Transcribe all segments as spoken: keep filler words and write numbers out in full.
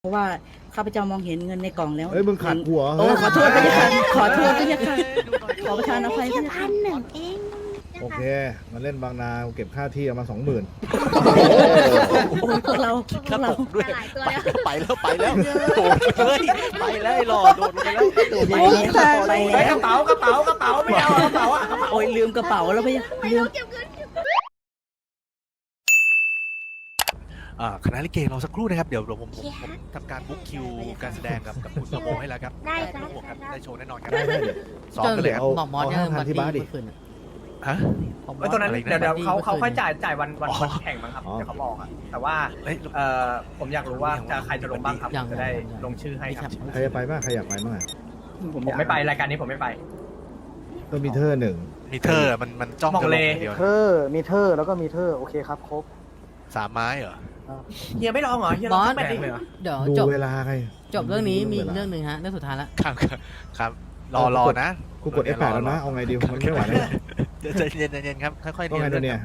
เพราะว่าข้าพเจ้ามองเห็นเงินในกล่องแล้วเฮ้ยมึงขัดหัวโอ้ขอโทษด้วยค่ะขอโทษด้วยค่ะขอประทานอภัยด้วยแค่ค่ะพันหนึ่งเองโอเคมาเล่นบางนาเก็บค่าที่เอามาสองหมื่นโอ้ยพวกเราพวกเราด้วยหลายตัวไปแล้วไปแล้วไปแล้วโดดเลยไปแล้วไอ้หล่อโดดลงไปแล้วไปแล้วค่ะไปเฮ้ยแล้กวระเป๋ากระเป๋ากระเป๋าไม่เอากระเป๋าอะโอ้ยลืมกระเป๋าแล้วพี่ลืมอ่าคณะลิเกรอสักครู่นะครับเดี๋ยวผมผมผมทำการบุ๊กคิวการแสดงกับกับคุณประโมให้แล้วครับได้คครัรับบผมครับได้โชว์แน่นอนครับได้ได้เดี๋ยวซ้อมกันเลยครับเอาบอกมอสเอาเนี่ยห้าพันบัตที่ตี้บ้านดิเมื่อคืนอะฮะบอกมไอ้อสตัวนั้นอะไรนะเดี๋ยวเดี๋ยวเขาบัตตี้เขาค่อยเมื่อคืนจ่ายจ่ายวันวันอ๋อวันแข่งมั้งครับอ๋อเดี๋ยวเขาบอกอะแต่ว่าเอ้ยเอ่อผมอยากรู้ว่าจะใครจะลงบ้างครับยังจะได้ยังยังลงชื่อให้ครับใครจะไปบ้างใครอยากไปบ้างอะผมไม่ไปรายการนี้ผมไม่ไปก็มีเธอหนึ่งมีเธอมันมันจ้องมองจะลเลงอย่างเดียวเธอมีเธอแล้วก็มีเธอโอเคครับครบสามไม้เหรอเฮียไม่ลองเหรอเฮียลบองอสสักแมตช์ดิเดี๋ยวดูจบเวลาไงจบเรื่องนี้มีดูวลาเรื่องหนึ่งฮะเรื่องสุดท้ายละครับครับครับรอรอนะกูกด เอฟ แปด แล้วนะเอาไงดีมันไม่ไหวแล้วเดี๋ยวใจเย็นใจเย็นครับค่อยๆว่าเรียไงนตัวเนี่ย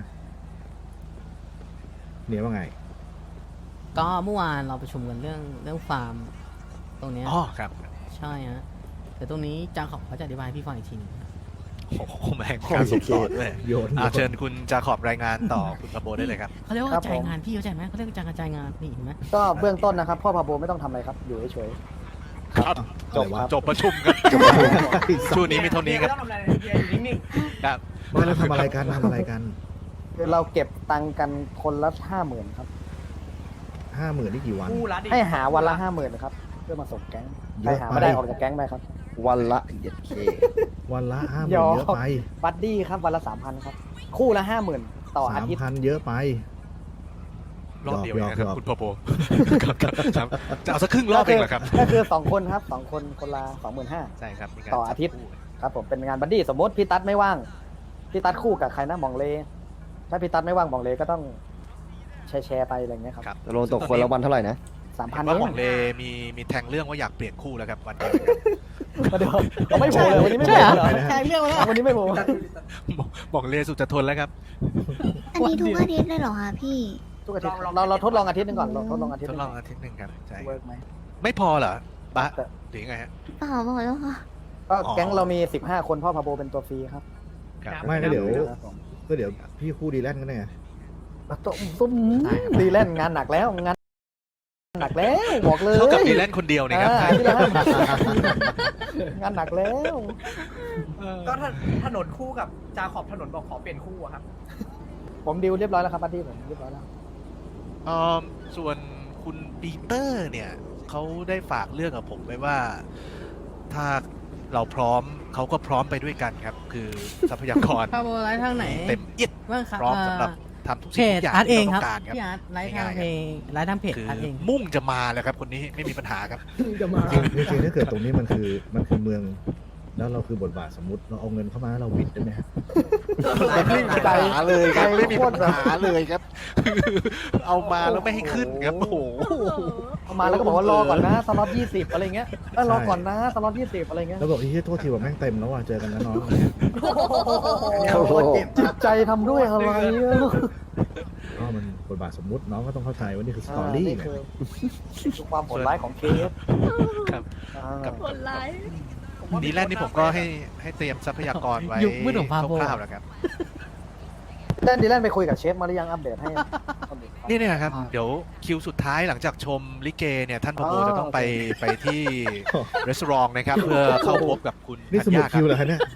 เนี่ยว่าไงก็เมื่อวานเราประชุมกันเรื่องเรื่องฟาร์มตรงเนี้ยอ๋อครับใช่ฮะแต่ตรงนี้จางขอบเขาจะอธิบายให้พี่ฟังอีกทีหนึงโอ้โหแม่งการส่งต่อด้วยโยนอ่าเชิญคุณจาขอบรายงานต่อคุณประโบได้เลยครับเขาเรียกว่ากระจายงานพี่เข้าใจไหมเขาเรียกว่าจางกระจายงานนี่เห็นไหมก็เบื้องต้นนะครับ พ่อพาโบไม่ต้องทำอะไรครับ อยู่เฉยครับจบครับจบประชุมครับช่วงนี้มีเท่านี้ครับไม่ต้องทำอะไรเลยเฮียอยู่นิ่งครับมาแล้วทำอะไรกันทำอะไรกันๆคือเราเก็บตังค์กันคนละห้าหมื่นครับห้าหมื่นนี่กี่วันๆคู่ละดิให้หาวันละห้าหมื่นนะครับ เพื่อมาส่งแก๊งเยใครอะหาไปไม่ได้ออกจากแก๊งไปครับวันละเจ็ดเควันละห้าหยมื่นอเยอะไปบัดดี้ครับวันละสามพันครับ คู่ละห้าหมื่นต่ออาสามทิตย์พันเยอะไปรอบเดียวเองนะครับหยอกคุณประโบครับครับครับจะเอาสักครึ่งรอบเองเหรอครับก็คือสองคนครับสองคนคนละสองหมื่นห้าใช่ครับมีกรต่ออาทิตย์ ครับผมเป็นงานบัดดี้สมมติพี่ตั๊ดไม่ว่างพี่ตั๊ดคู่กับใครนะมองเล ถ้าพี่ตั๊ดไม่ว่างมองเลก็ต้องแชร์แชร์ไปอะไรอย่างเงี้ยครับครับตกลงตกคนละวันเท่าไหร่นะสามพัเห็นนเอว่าง หมองเลมีมีแทงเรื่องว่าอยากเปลี่ยนคู่แล้วครับวันเดียวเดี๋ยวเราไม่โผล่เลยวันนี้ไม่โผล่เหรอใช่เรื่องแล้ววันนี้ไม่โผล่หมองเลสุดจะทนแล้วครับอันนี้ทุกอาทิตย์เลยเหรอคะพี่ทุกอาทิตย์เราเราทดลองอาทิตย์หนึงก่อนเราทดลองอาทิตย์ทหดนึงลองอาทิตย์หนึ่งครับใช่เวิร์กไหมไม่พอเหรอปะแต่หรือไงฮะเปล่าบอกแล้วค่ะก็แก๊งเรามีสิบห้าคนพ่อพาโบเป็นตัวฟรีครับครับไม่ก็เดี๋ยวครับผมก็เดี๋ยวพี่คู่ดีแลนด์กันเนี่ยตุ้มตุ้มดีแลนด์งานหนักแล้วงานหนักแล้วบอกเลยเท่ากับดีแลนด์คนเดียวนี่ครับอ่าที่ละห้า งานหนักแล้วก็ถถนนคู่กับจาขอบถนนบอกขอเปลี่ยนคู่อะครับผมดิวเรียบร้อยแล้วครับบัดดี้ผมเรียบร้อยแล้วเอ่อส่วนคุณปีเตอร์เนี่ยเขาได้ฝากเรื่องกับผมไว้ว่า ถ้าเราพร้อมเขาก็พร้อมไปด้วยกันครับ คือทรัพยากรพาโบไลฟ์ทางไหนเต็มเอียดบ้างครับพร้อมสำหรับเอ่อทำทุกเพสิ่งจทุกอย่างอาร์ตเอที่งเราคต้รัอบ งการครับพี่อาร์ตไลฟ์ทางง่ายๆเพจไลฟ์ทางเพจคืออาร์ตเองมุ่งจะมาเลยครับคนนี้ไม่มีปัญหาครับจะมาจริงๆถ้าเกิดตรงนี้มันคือมันคือเมือง แล้วเราคือบทบาทสมมติเราเอาเงินเข้ามาแล้วเราวิดได้ไหมฮะไม่มีปัญหาเลยครับใจไม่มีโคปัตญรหาเลยครับ เอามาแล้วไม่ให้ขึ้นครับโอ้โหเอามาแล้วก็บอกว่ารอก่อนนะสล็อตยี่สิบอะไรเงี้ยเออรอก่อนนะสล็อตยี่สิบอะไรเงี้ยแล้วบอกที่โทษทีว่าแม่งเต็มแล้วว่ะเจอกันนะน้องโอ้โหจิตใจทำด้วยอะไรอะก็มันบทบาทสมมุติน้องก็ต้องเข้าใจว่านี่คือสตอรี่นี่ไงคือคือความโหดร้ายของเคสครับอ่ากับคนร้ายดีแลนด์นี่ผมก็ให้ให้เตรียมทรัพยากรไว้ยุคมืดของพาโบคร่าวๆแล้วครับเล่นดีเล่นไปคุยกับเชฟมาหรือยังอัปเดตให้นี่เนี่ยครับอ่าเดี๋ยวคิวสุดท้ายหลังจากชมลิเกเนี่ยท่านพะโบอ๋อจะต้องไปไปที่รีสอร์ทนะครับ เพื่อเข้าพบกับคุณนี่สธัญมุดญาคคิวเหรรัอคะเนี่ย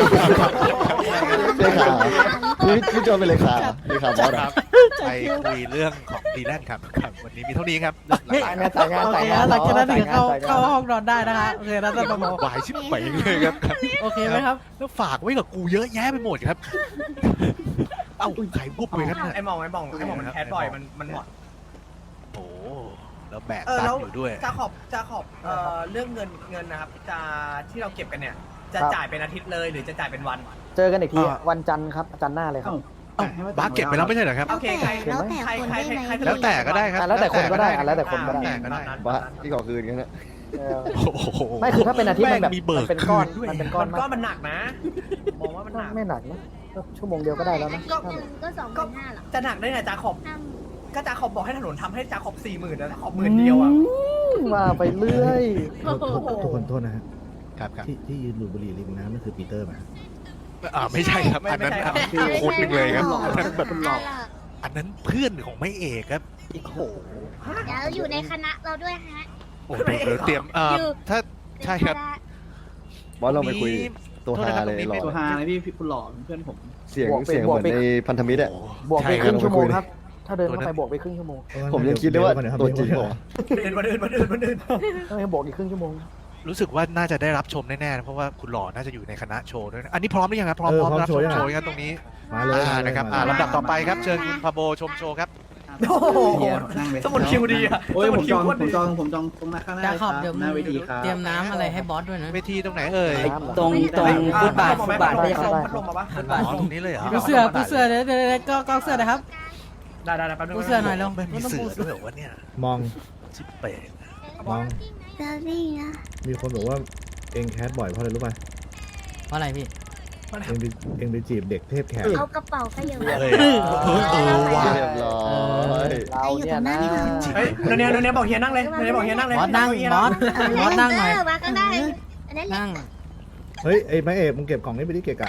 เลขาพี่พี่โจเป็นเลขาเลขาบอสคอะรับไปคุยเรื่องของดีแลนด์ครับครับ วันนี้มีเท่านี้ครับเรื่องหลัจ่ายงานจ่ายงานโอจ่ายเคงานหลังจากนั้นถึงเข้าจ่ยงนเข้าห้องนอนได้นะคะโอเคนะท่านประโมวายชิบไปเลยครับโอเคไหมครับแล้วฝากไว้กับกูเยอะแยะไปหมดครับ เอ้าไข่บุบเลยครับเนี่ยไอ้มองไอ้มองไอ้มองมันแคสบ่อยมันมันหมดโอ้โหแล้วแบกเออตัแล้นวอยู่ด้วยจาขอบจาขอบเอ่อเรื่องเงินเงินนะครับจะที่เราเก็บกันเนี่ย จะจ่ายเป็นอาทิตย์เลยหรือจะจ่ายเป็นวันเจอกันอีกทีวันจันทร์ครับจันทร์หน้าเลยครับเอ้าบาสเก็บไปแล้วไม่ใช่เหรอครับโอเคใครแล้วแต่ใครคนใครได้ไหมใครแล้วแต่ก็ได้ครับอ่ะแล้วแต่คนก็ได้อ่ะแล้วแต่คนก็ได้แล้วแต่ก็ได้บะที่ขอคืนกันนะเออโอ้โหไม่คือถ้าเป็นอาทิตย์มันแบบแงมีเบิกมันเป็นก้อนคืด้วยมันเป็นก้อมัน นก็มันหนักนะ มองว่ามันหนักไม่หนักนะก็ชั่วโมงเดียวก็ได้แล้วนะอาทิตย์หนึ่งก็สองพันห้าหรอจะหนักได้ไงจาขอบห้าก็จาขอบบอกให้ถนนทำให้จาขอบสี่หมื่นแล้วจาขอบหมื่นเดียวอ่ะอมาไปเรื่อยโทษโทษทุกคนโทษนะฮะครับครับที่ที่ยืนดูดบุหรี่ริมน้ำนั่นคือปีเตอร์ไหมอ่าไม่ใช่ครับ อันนั้นอันนั้นคือคนหนึ่งเลยครับอันนั้นแบบอันนั้นเพื่อนของไม่เอกครับโอ้โหเดี๋ยวอยู่ในคณะเราด้วยฮะโอ้โหเดี๋ยวเตรียมเอ่ออยู่ถ้าใช่ครับบอสเราไปคุยตัวโทษฮานะครับเลยตรงนี้หล่ไม่อตัวฮานะพี่พี่คุณหล่อเพื่อนผมเสียงบวกไปเสียงบเหวกมือนไปในพันธมิตรอ่ะบวกไปใช่คครับรึ่งชั่วโมงเราไปคุยครับ ถ้าเดินเข้าไปบวกไปครึ่งชั่วโมงผมยังคิดเลยว่าตัวจริงเหรอเดินมาเดินมาเดินมาเดินต้องให้บวกอีกครึ่งชั่วโมงรู้สึกว่าน่าจะได้รับชมแน่ๆนะเพราะว่าคุณหล่อน่าจะอยู่ในคณะโชว์ด้วยนะอันนี้พร้อมหรือยังครับพร้อมเออพร้อมพร้อมรับชโชว์มยังโชว์กันตรงนี้มาเลยอ่านะครับอ่ามาเลยลำดับต่อไปครับเชิญคุณพาโบชมโชว์ครับโอ้โหนั่งเลยสมุดคิวดีอะโอ้ยสผมุดมคิจวองโคตรผมดีจองผมจองตรงหน้าข้างหน้าจะเลยขอบครับเดี๋ยวหน้าเวทีครับเตรียมน้ำอะไรให้บอสด้วยนะเวทีตรงไหนเอ่ยน้ำเหรอตรงตรงฟุตบาทฟุตบาทพัไม่ดใช่ลค่ะมพัดลมมาปะอ๋อตรงนี้เลยเหรอปูเสื้อปูเสื้อเดี๋ยวเดี๋ยวเดี๋ยวก็ก็เสื้อนะครับได้ได้ได้แป๊บนึงปูเสื้อหน่อยเร็วไม่มีต้องเสืปูอเสื้ด้อวยเหรอวะเนี่ยมองชิบเป๋งมองเจอรี่นะมีคนบอกว่าเองแคสบ่อยเพราะอะไรรู้ป่ะเพราะอะไรพี่เองไปเองไปจีบเด็กเทพแขกเอากระเป๋าไปอยู่เฮ้ยเออเออว่ะเรียบร้อยเราเนี่ยนะเฮ้ยโนเนียโนเนียบอกเฮียนั่งเลยโนเนียบอกเฮียนั่งเลยบอสนั่งบอสบอสนั่งหน่อยมาก็ได้อันนั้นแหละนั่งเฮ้ยไอ้ไม้เอกมึงเก็บของนี้ไปที่เกะกะ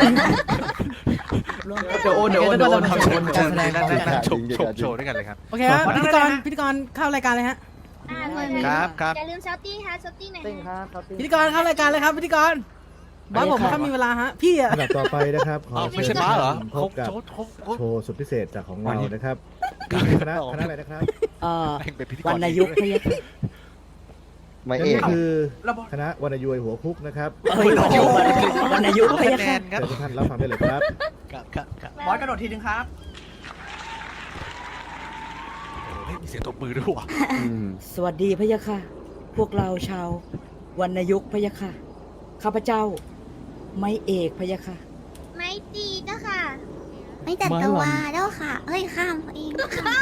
เดี๋ยวโอนเดี๋ยวโอนเดี๋ยวโอนการเดี๋ยวโอนการแสดงพร้อมกันชมชมโชว์ด้วยกันเลยครับโอเคครับพิธีกรพิธีกรเข้ารายการเลยฮะอ่าเลยครับครับอย่าลืมเชาตี้ฮะเชาตี้หน่อยติ้งคฮะรับครับติ้งพิธีกรเข้ารายการเลยครับพิธีกรบอสผมถ้ามีเวลาฮะพี่อะอันดับต่อไปนะครับขอเอาเชิไม่ญใช่ม้าเหรอพเขาบกับเขาเขาเขาโชว์สุดพิเศษจากของเรานะครับคณะคณะอะไรนะครับเอ่อแม่งเป็นพิธีกรวรรณยุกต์พะยะค่ะไม่นั่เอน กก็คือแล้วบอกคณะวรรณยุยหัวคุกนะครับเอ้ยวรรณยุกต์พะคะยะแนค่ะนครับเชิญทุกท่านรับฟังได้เลยครับครับครับครับบอสกระโดดทีนึงครับโอ้ยมีเสียงตบมือด้วยว่ะอืมสวัสดีพะยะค่ะ พวกเราชาววรรณยุกต์พะยะค่ะ ข้าพเจ้า ไม้เอกพะยะค่ะไม่ตีก็ค่ะ ไม่แต่ตัวแล้วค่ะเฮ้ยข้ามเองข้าม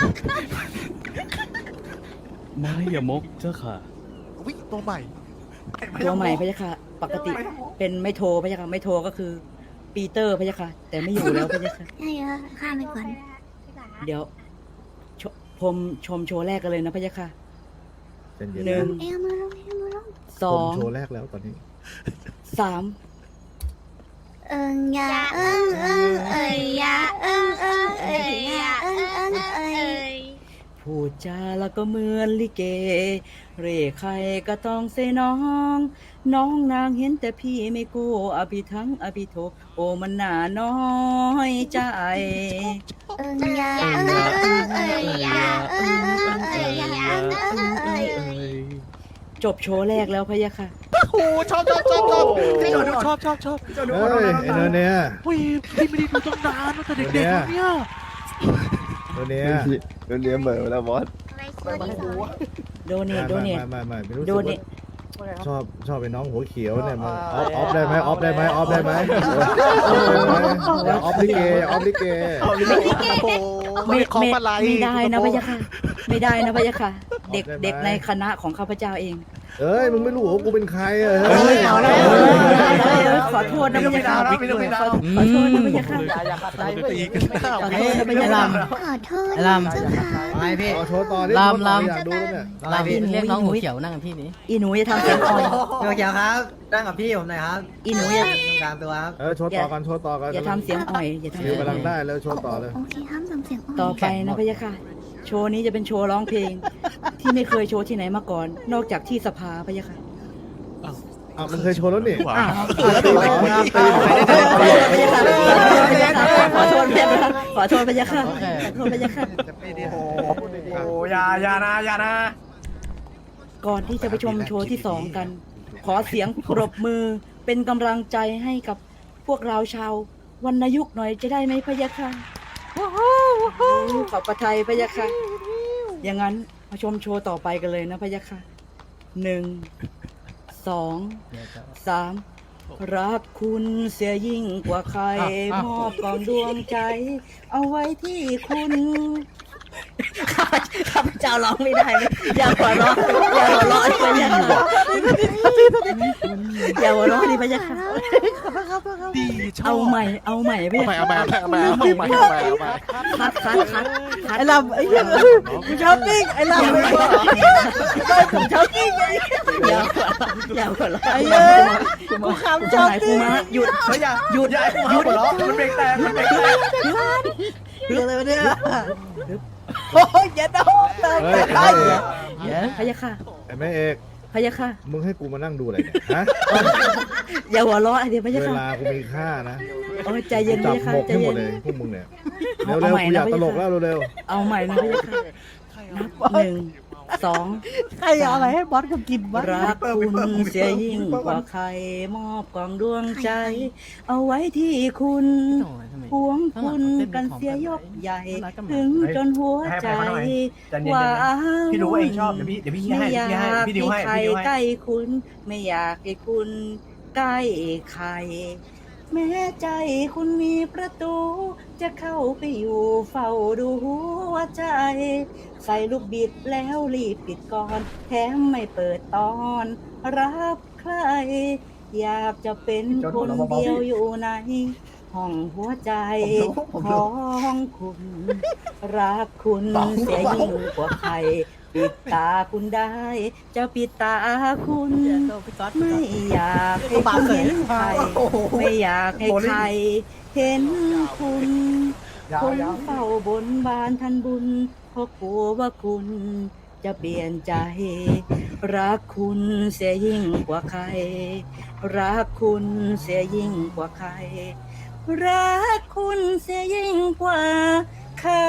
ไม่อย่ามกเจ้าค่ะวิตัวใหม่ตัวใหม่พะยะค่ะ ปกติเป็นไม่โทรพะยะค่ะ ไม่โทรก็คือ ปีเตอร์พะยะค่ะ แต่ไม่อยู่แล้วพะยะค่ะใช่เหรอข้ามไปก่อนเดี๋ยวชชมชมโชว์แรกกันเลยนะพะยะค่ะเย็นๆหนึ่งนะเอ้ยเอามือลงเอามือลงสผอมงโชว์แรกแล้วตอนนี้สามเอิงยาเอิงเอิงเอ้ยยาเอิงเอิงเอ้ยยาเอิงเอิงเอ้ยพูดจาแล้วก็เหมือนลิเก เร่ใครก็ต้องเซน้อง น้องนางเห็นแต่พี่ไม่กู้อภิทั้งอภิโทโอมันหนาน้อยใจเอิงยาเอิงเอิงเอ้ยยาเอิงเอิงเอ้ยยาเอิงเอ้ยจบโชว์แรกแล้วพะยะค่ะโอ้โหชอบชอบชอบชอบชอบชอบชอบเจ้าดูเฮ้ยไอ้เนยเนี่ยอุ้ยพี่ไม่ได้ดูตั้งนานตั้งแต่เด็กๆแล้วเนี่ยตัวเนี้ยโดนเลี้ยงเหม่อแล้วบอสอะไรตัวที่สองโดเนทโดเนทมามามาไม่รู้สึกโดเนว่าทชอบชอบเป็นน้องหัวเขียวเนี่ยมันออฟออฟได้ไหมออฟได้ไหมออฟได้ไหมอย่าออฟลิเกอย่าออฟลิเกโอ้โหไม่ของไม่อะไรไม่ได้นะพะยะค่ะ ไม่ได้นะพะยะค่ะ เด็กเด็กในคณะของข้าพเจ้าเองเอ้ยมึงไม่รู้ว่ากูเป็นใครอ่ะเฮ้เฮ้ยยเอาเอาแล้แล้ว วขอโทษนะพะยะค่ะไม่ต้องไปดาวขอโทษนะพะยะค่ะอย่าอย่าขัดใจจะเว้ยตีกันหน้าขอเวโทษนะพะยะค่ะขอโทษไอ้ลำเจ้าค่ะไอพี่ขอโชว์ต่อดิลำลำอยากดูแล้วเนี่ยเราเรียกน้องหัวเขียวนั่งกับพี่นี้อีหนูจะทำเสียงอ่อยโอเคครับนั่งกับพี่ผมหน่อยครับอีหนูอย่าตรงกลางตัวครับเออโชว์ต่อกันโชว์ต่อกันอย่าทำเสียงอ่อยอย่าทำฟิเสีวยงกำลังอ่อยได้แล้วโชว์ต่อเลยโอเคห้ามทำเสียงอ่อนต่อไปนะพะยะค่ะ โชว์นี้จะเป็นโชว์ร้องเพลง ที่ไม่เคยโชว์ที่ไหนมาก่อน นอกจากที่สภาพะยะค่ะอ้าวมันเคยโชว์แล้วนี่ว้าอ้าววแล้วตีไหนตีไหนขอโทษพะยะค่ะขอโทษพะยะค่ะขอโทษพะยะค่ะโอ้โหยายานะยานะก่อนที่จะไปชมโชว์ที่สองกัน ขอเสียงปรบมือเป็นกำลังใจให้กับพวกเราชาววรรณยุกต์หน่อยจะได้ไหมพะยะค่ะขอบประทัยพะยะค่ะ อย่างนั้นมาชมโชว์ต่อไปกันเลยนะพะยะค่ะหนึ่งสองสามรักคุณเสียยิ่งกว่าใครมอบกองดวงใจ เอาไว้ที่คุณ ข้าพเจ้าร้องไม่ได้เลยอย่าหัวเราะอย่าหัวเราะเลยอย่าหัวเราะอย่าหัวเราะดิพะยะค่ะดีชอบเอาใหม่เอาใหม่พะเอายะใหม่ค่ะเอาใหม่เอาใหม่เอาใหม่เอาใหม่เอาใหม่คัดคัดคัดคัดไอ้ลำไอ้เหี้ยกูช้อปปิ้งไอ้ลำผมชอบกินอย่าอย่าหัวเราะไอ้เอ้ยกูขำจะช้อปหายกูปิ้งมาหยุดเฮ้ยอย่าหยุดอย่าให้กูหาหัวเราะมันเบรกแตกมันเบรกแตกเรื่องอะไรวะเนี่ยโอ้ยอย่าโดนเติมเฮ้ยไปไอ้เอกพะยะค่ะไอ้แม่เอกพะยะค่ะมึงให้กูมานั่งดูอะไรเนี่ยฮะอย่าหัวเราะไอเดียพะยะเวค่ะลากูมีค่านะโอ้ยใจเย็นจัพะบยะค่ะหมกใจให้หมเย็ดนเลยพวกมึงเนี่ยเอาเร็วใหม่ๆกูอยากนะตลกพะยะค่ะแล้วเร็วเอาใหม่นะพะยะค่ะนับหนึ่งสองใครเอาอะไรให้บอสกูกินวะรักคุณเสียยิ่งกว่าใครมอบกล่องดวงใจ เอาไว้ที่คุณโอ้ยทำไมหวงคุณกันเสียยกใหญ่ ถึงจนหัวใจใจเย็นว่าๆพี่รู้ว่าเองชอบเดี๋ยวพี่เดี๋ยวพี่ไม่ให้อยาพี่ให้กพี่ดิวให้ให้ใครพี่ดิวให้ใกล้คุณ ไม่อยากให้คุณใกล้ใคร แม้ใจคุณมีประตู จะเข้าไปอยู่เฝ้าดูหัวใจ ใส่ลูกบิดแล้วรีบปิดก่อน แถมไม่เปิดตอน รับใคร อยากจะเป็นคนเดียวอยู่ใน ห้องหัวใจของคุณ รักคุณเสียยิ่งกว่าใคร ปิดตาคุณได้ จะปิดตาคุณ ไม่อยากให้คุณเห็นใคร ไม่อยากให้ใคร เห็นคุณผมเฝ้าบนบานทันบุญเพราะกลัวว่าคุณจะเปลี่ยนใจ รักคุณเสียยิ่งกว่าใคร รักคุณเสียยิ่งกว่าใคร รักคุณเสียยิ่งกว่าใคร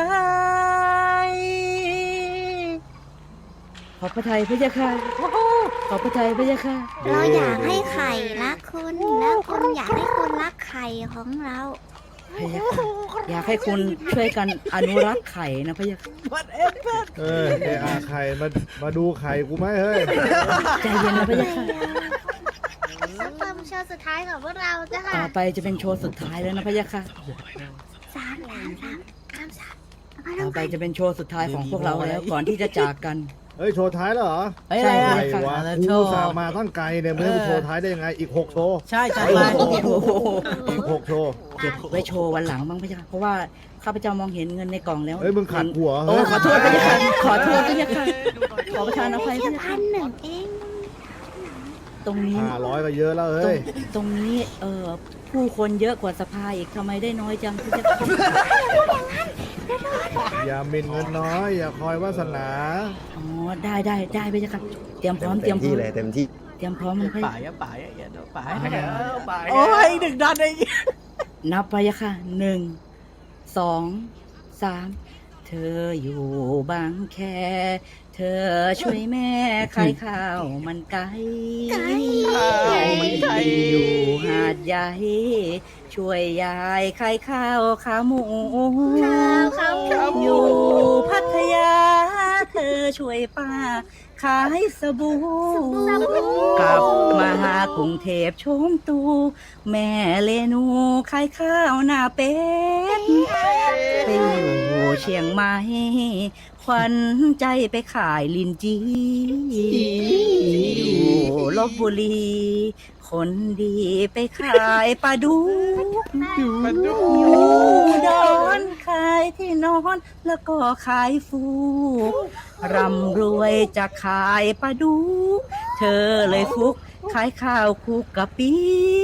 ขอบพระทัยพระยาค่ะขอบพระทัยพระยาค่ะเราอยากให้ไข่รักคุณแล้วคุณอยากให้คุณรักไข่ของเราพระยาค่ะอยากให้คุณช่วยกันอนุรักษ์ไข่นะพระยาค่ะๆเออเออาไข่มามาดูไข่กูไหมเฮ้ยใจเย็นนะพระยาค่ะสักความโชว์สุดท้ายของพวกเราจ้ะต่อไปจะเป็นโชว์สุดท้ายแล้วนะพระยาค่ะสามสามสามสามสามเอาต่อไปไปจะเป็นโชว์สุดท้ายของพวกเราแล้วก่อนที่จะจากกันเฮ้ยโชว์ท้ายแล้วเหรอเฮ้ยอะไรใช่อะไงวะอะไรกูโชว์สามมาตั้งไกลเนี่ยมึงให้กูโชว์ท้ายได้ยังไงอีกหกโชว์ใช่จัดไปโอ้โหอีกหกโชว์เก็บไว้โชว์วันหลังบ้างพระยาค่ะเพราะว่าข้าพเจ้ามองเห็นเงินในกล่องแล้วเฮ้ยมึงขัดหัวโอ้เฮ้ยขอโทษพระยาค่ะขอโทษพระยาค่ะขอประทานอภัยพแค่ระยาพัค่ะนหนึ่งเองตรงนี้ห้าร้อยก็เยอะแล้วตรเฮ้งยตรงนี้เอ่อผู้คนเยอะกว่าสภาอีกทำไมได้น้อยจังพระยาค่ะอย่าหมิ่นเงินน้อยอย่าคอยวาสนาอ๋อได้ได้ได้พระยาค่ะเตรียมพร้อมเตรียมพร้อที่มเลยเต็มที่เตรียมพร้อมพระยาป่ายอะป่ายอะอย่าโดนป่ายเออไปโอ้ยหนึ่งดันไอ้นับพระยาค่ะหนึ่งสองสามเธออยู่บางแค เธอช่วยแม่ขายข้าวมันไก่ไก่อยู่หาดใหญ่ ช่วยยายขายข้าวขาหมูข้าวข้าวข้าวอยู่พัทยา เธอช่วยป้า ขายสบู่กลับมาหากรุงเทพชมตู แม่เลนูขายข้าวหน้าเป็ดไปอยู่เชียงใหม่ขวัญใจไปขายลินจีอยู่ลบบุรี คนดีไปขายปลาดุกอยู่ดอนขายที่นอนแล้วก็ขายฟูกร่ำรวยจะขายปลาดุกเธอเลยฟุกขายข้าวคลุกกะปิ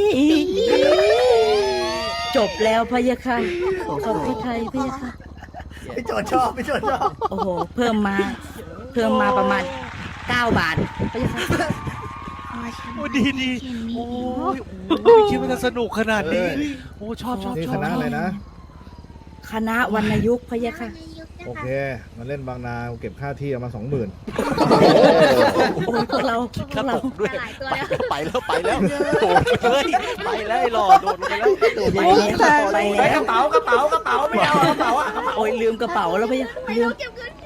จบแล้วพะยะค่ะขอบพระทัยพะยะค่ะพี่โจชอบพี่โจชอบโอ้โห เพิ่มมา เพิ่มมาประมาณเก้าบาทพะยะค่ะโอ้ดีดีโอ้ยโอ้ยไม่คิดว่าจะสนุกขนาดนี้ โอ้ชอบชอบนี่ชคอบณะอะไรนะคณะวรรณยุกต์พะยะค่ะโอเค มาเล่นบางนาเก็บค่าที่เอามาสองหมื่นโอ้ยพวกเราพวกเราด้วยไปแล้วไปแล้วโดดเลยไปแล้วไอ้หล่อโดดลงไปแล้วโดดไปไปแล้วไปไอ้แล้กวระเป๋ากระเป๋ากระเป๋าไม่เอากระเป๋าอ่ะโอ้ยลืมกระเป๋าแล้วพะยะลืม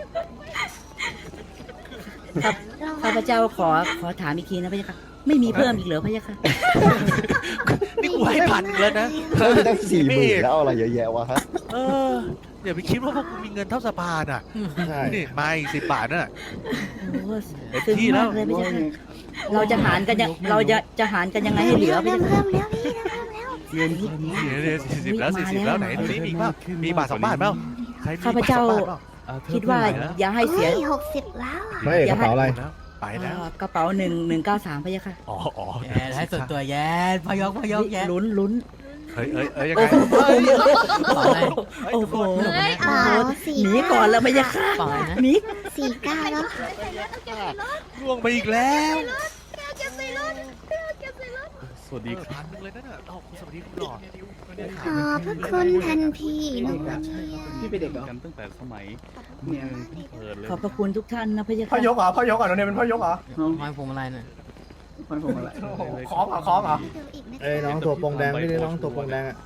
ครับข้าพเจ้าขอขอถามอีกทีนะพะยะค่ะ ไม่มีเพิ่มอีกเหรอพะยะค่ะนี่กูให้พันแล้วนะเพิ่มตั้งสี่หมื่นแล้วเอาอะไรเยอะแยะวะฮะเอออย่าไปคิดว่าพวกกูมีเงินเท่าสภาน่ะใช่นี่มาอีกสิบบาทน่ะโอ้เต็มซึ้งที่แล้มาว กเลยพะยะค่ะเราจะหารกันยังเราจะจะหารกันยังไงให้เหลือเริ่มพี่เริ่มเริ่มพี่เริ่มเริ่มเงินที่เดี๋ยวเดี๋ยวสี่สิบแล้วสี่สิบแล้วไหนดูนี่มีอีกเปล่ามีบาทสองบาทเปล่าใครมีข้าพเจ้าบทสองบทปล่คิดว่าอย่าให้เสียเฮ้ยหกสิบแล้วอ่ะไม่เอกกระเป๋าอะไรไปแล้วเอ่อกระเป๋าหนึ่งหนึ่งเก้าสามพะยะค่ะอ๋ออ๋อแย่ให้ส่วนตัวแย่พยกพยกแย่ลุ้นลุ้นเฮ้ยเอ้ยเอ้ยยังไงเปล่าอะไรโอ้โหเฮ้ยเออสี่หนีก่อนแล้วพะยะค่ะเปล่าอะไรนะหนีสี่เก้าแล้วล่วงไปอีกแล้วสวัสดีเออพันหนึงเลยนั่นน่ะเอ้าสวัสดีคุณหลอดขอบพระคุณทันทีนะพี่เป็นเด็กเหรอกันตั้งแต่สมัยเนี่ยเปิดเลยขอบพระคุณทุกท่านนะพะยะพ่อค่ะยกเหรอพ่อยกเหรอโนเนมเป็นพ่อยกเหรอห้อยพวงมาลัยน่ะมันผมอะไรโอ้โหคล้องเหรอคล้องเหรอเอ้ยน้องตัวโปงแดงนี่ดิน้องตัวโปงแดงอ่ะ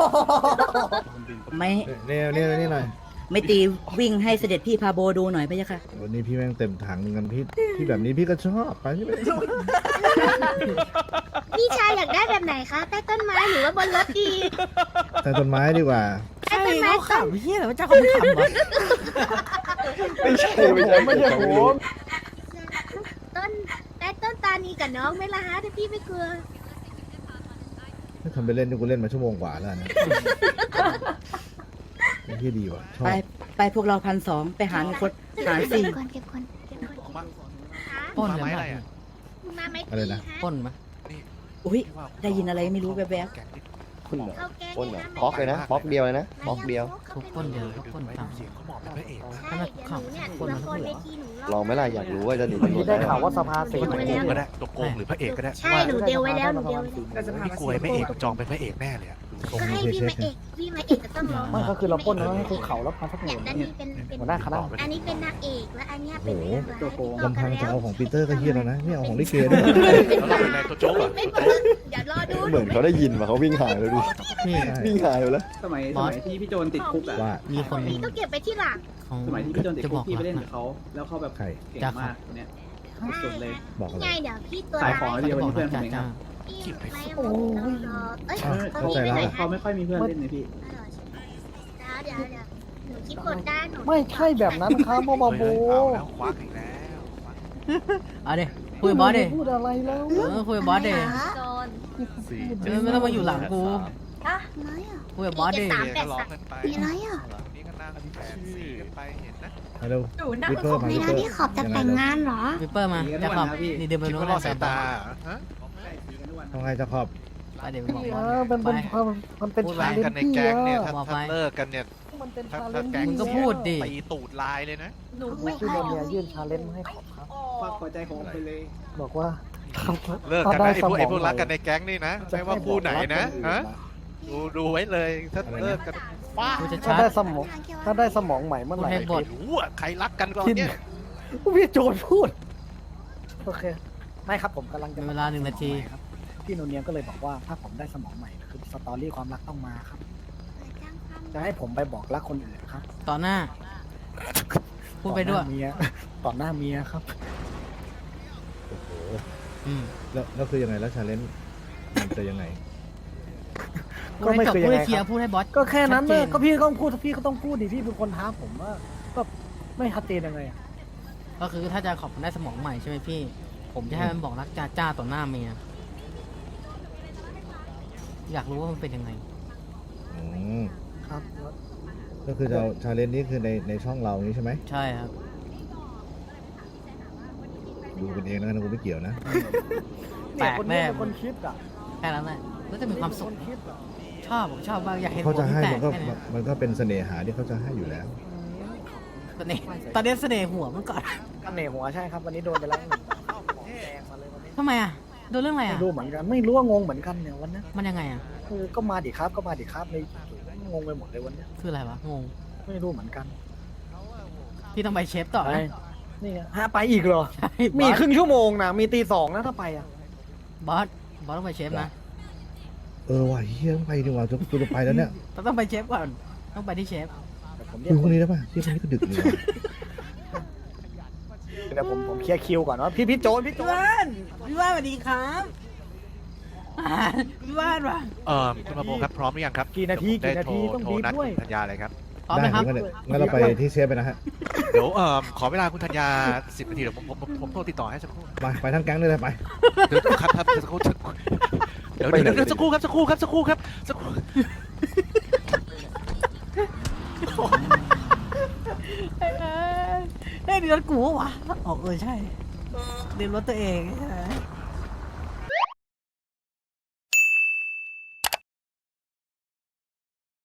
ไม่นี่นี่นี่หน่อยไม่ตีวิ่งให้เสด็จพี่พาโบดูหน่อยพะยะค่ะวันนี้พี่แม่งเต็มถังเหมือนกันพี่พี่แบบนี้พี่ก็ชอบไปพี่ไปพี่ชายอยากได้แบบไหนคะ ใต้ต้นไม้หรือว่าบนรถดีแต่ต้นไม้ดีกว่าใต้ต้นไม้เขาต้นขำเฮียเหรอเจ้าเขาไม่ขำวะไม่ใช่ไม่ใช่ไม่ใช่ผมต้นใต้ต้นตานีกับน้องไหม่ละฮะถ้าพี่ไม่กลัวไม่ทำไปเล่นนี่กูเล่นมาชั่วโมงกว่าแล้วนะไอ้ที่ดีว่ะชอไปบไปพวกเราพันสองไปหารคนหารสี่เก็บก่อนเก็บก่อนเก็บก่อนมาปล้นมากันไม้ไหอะไรมอ่ะมาไหมอะไรนะปล้นไหมอุ้ยได้ยินอะไรไม่รู้แวบแกงนิดคุณเหรอเข้าแก๊งปล้นเหรเลอยนะบล็อกเลยนะบล็อกเดียวเลยนะบล็อกเดียวทุกปล้นเดียวทุกปล้นไว้ต่างเสียงเขาบอกเป็นพระเอกนะใช่เดี๋ยวหนูเนี่ยคนละละคคนรเหรอเวทีหนูลองไหมล่ะอยากรู้ว่าจะหนีวันตำรวนี้จได้ได้ข่าวว่าสภาเสตัวรีโกงก็ได้ตัวโกงหรือพระเอกก็ได้ใช่หนูเดียวไว้แล้วหนูเดียวไว้แล้วได้สภาพพี่กลัวไอ้พระเอกจองเป็นพระเอกแน่เลยอะดูทรงก็ให้พี่มาเอกพี่มาเอกจะต้องร้องไม่ก็คือเราปล้นแล้วให้คุกเข่าแล้วพันสักหเนี่มื่ยนด้านนี้เป็นเป็นหัวหน้าคณะอันนี้เป็นนางเอกและอันเนี้ยเป็นโอ้โหตัวลำพังจะเอาของปีเตอร์ก็เฮี้ยแล้วนะนี่เอาของลิเกด้วยแล้วเราเป็นอะไรตัวโจ๊กเหรอไม่ตัวเปิโจ๊กดอย่ารอดูเหมือนเขาได้ยินมาเขาวิ่งหายเลยดิพี่วิ่งหายไปแล้วสมัยสมัยที่พี่โจนติดคุกอ่ะว่ามีคนพี่ต้องเก็บไปที่หลังของสมัยที่พี่โจนติดจะคุบอกกพี่ไปเล่นรักับเขาแล้วเขาแบบใครเก่งมากคนเนี้ยสุดเลยบอกอะไรไงเดี๋ยวพี่ตัวขายร้าของยเดียวจะบวัอน กนี้เพื่อนผจ้ามเองคจ้ารับพี่ไม่รอเอ้ยเข้าใจแล้วเขาไม่ค่อยมีเพื่อนเล่นเลยพี่เดี๋ยวเดี๋ยวหนูคิดกดได้หนูไม่ใช่แบบนั้นครับพ่อบาเฮ้บูยเอาแล้วควักอีกแล้วควักเอาดิคุยกับบอสดิพูดอะไรแล้วเออคุยกับบอสดิโจนสี่เออไม่ต้องมาอยู่หลังกูอะไรอ่ะคุยกับบอสดิสามเดี๋ยวก็ร้องกันไปมีอะไรอ่ะนี่ก็นั่งแฝงสีกันไปเห็นนะมาเร็ววิปเปอร์มาในวิปเปนั้อน ร์ที่ขอบจะแต่งงานเหรอวิปเปอร์มาจะขอบนี่เดินไปคิดนู้นว่าล่อสายตาฮะทำไงจะขอบไปเดี๋ยวบอกบเออสอเป็นไปเป็นมันเป็นพูดชาไว้เลนกันจ์ในพี่แก๊งเนี่ยอะถ้าบอกไปถ้าเลิกกันเนี่ยมันเป็นถ้าชาเลถ้านจ์แก๊งมึงก็พูดดิตีตูดลายเลยนะไม่พี่เอาโดนเนี่ยยื่นชาเลนจ์ให้ขอบครับฝากหัวใจของผมไปเลยบอกว่าเลิกกันนะไอ้พวกไอ้พวกรักกันในแก๊งนี่นะจะไม่ว่าคู่ไหนนะฮะดูดูไว้เลยถ้าเลิกกันฟ้าพูดจะถ้าชัดได้สมองถ้าได้สมองใหม่เมื่อไหร่พูดให้บทไม่รู้อ่ะใครรักกันก่อนเนี่ยพี่โจนพูดโอเคไม่ครับผมกำลังจะมีเวลาหนึ่งนาทีครับพี่โนเนียมก็เลยบอกว่าถ้าผมได้สมองใหม่คือสตอรี่ความรักต้องมาครับ จะให้ผมไปบอกรักคนอื่นครับต่อหน้า พูดไปด้วยต่อหน้าเมียต่อหน้าเมียครับอืมแล้วแล้วคือยังไงแล้วชาเลนจ์มันจะยังไงพูดให้จบพูดให้เคลียร์พูดให้บอสก็แค่นั้นชัเลดยจก็พี่ต้องพูดพี่ก็ต้องพูดดิพี่เป็นคนท้าผมว่าก็ไม่ชัดเจนยังไงอะก็คือถ้าจะขอบคุณได้สมองใหม่ใช่ไหมพี่ ผมจะให้มันบอกรักจ้าจ้าต่อหน้าเมีย อยากรู้ว่ามันเป็นยังไงอืมครับก็คือเราชาเลนจ์นี้คือในในช่องเรานี้ใช่ไหมใช่ครับดูกันเองนะกูไม่เกี่ยวนะแปลกแน่เนี่ยคนคิดอ่ะแค่นั้นแหละแล้วจะมีความสุขนคิดอ่ะชอบผมชอบมากอยากเห็นเขาผมจะที่ให้แตมักนก็แค่เนี้ยมันก็เป็นเสน่หาที่เขาจะให้อยู่แล้วตอนนี้ตอนนี้เสน่ห์หัวมันก่อนอันเหน่หัวใช่ครับวันนี้โดนไปแล้วหนึ่งของแดงมาเลยวันนี้ทำไมอ่ะโดนเรื่องอะไรไม่อ่ะรู้เหมือนกันไม่รู้ว่างงเหมือนกันเนี่ยวันนี้มันยังไงอ่ะคือก็มาดิครับก็มาดิครับในงงไปหมดเลยวันนี้คืออะไรวะงงไม่รู้เหมือนกันพี่ต้องไปเชฟต่อไปนะนี่ไงฮะไปอีกเหรอใช่มีบอสครึ่งชั่วโมงนะมีตีสองนะถ้าไปอ่ะบอสบอสต้องไปเชฟนะเออว่ะเฮียต้องไปดีกว่าจะกูจะไปแล้วเนี่ยเราต้องไปเชฟก่อนต้องไปที่เชฟแต่ผมเรีคุยยกพรุ่งนี้ได้ป่ะที่พรุ่งนี้ก็ดึกเลยว่ะเดี๋ยวผมผมเคลียร์คิวก่อนว่าพี่พี่โจนพี่โจพี่นว่านพี่ว่านสวัสดีครับอ่าพี่ว่านวะเออคุณมาโบครับพร้อมหรือยังครับกี่นาทีเดี๋ยวผมกี่นาทีได้ต้องโทรดีโทรนัดด้วยคุณธัญญาเลยครับพร้อมไหมครับด้งั้นเดี๋ยวงั้นเราไปที่เชฟไปนะฮะเดี๋ยวเอ่อขอเวลาคุณธัญญาสิบนาทีเดี๋ยวผมผมผมผมโทรติดต่อให้สักครู่ไปไปทั้งแก๊งเลยเลยไปเดี๋ยวครับครับสักครู่สักครู่เดี๋ยวเดี๋ยวเดี๋ยวสักครู่ครับสักครู่ครับสักครู่ครับสักครู่เอ้ยเอ้ยนี่รถกูวะอ๋อเออใช่เรียนรถตัวเองใช่ไหม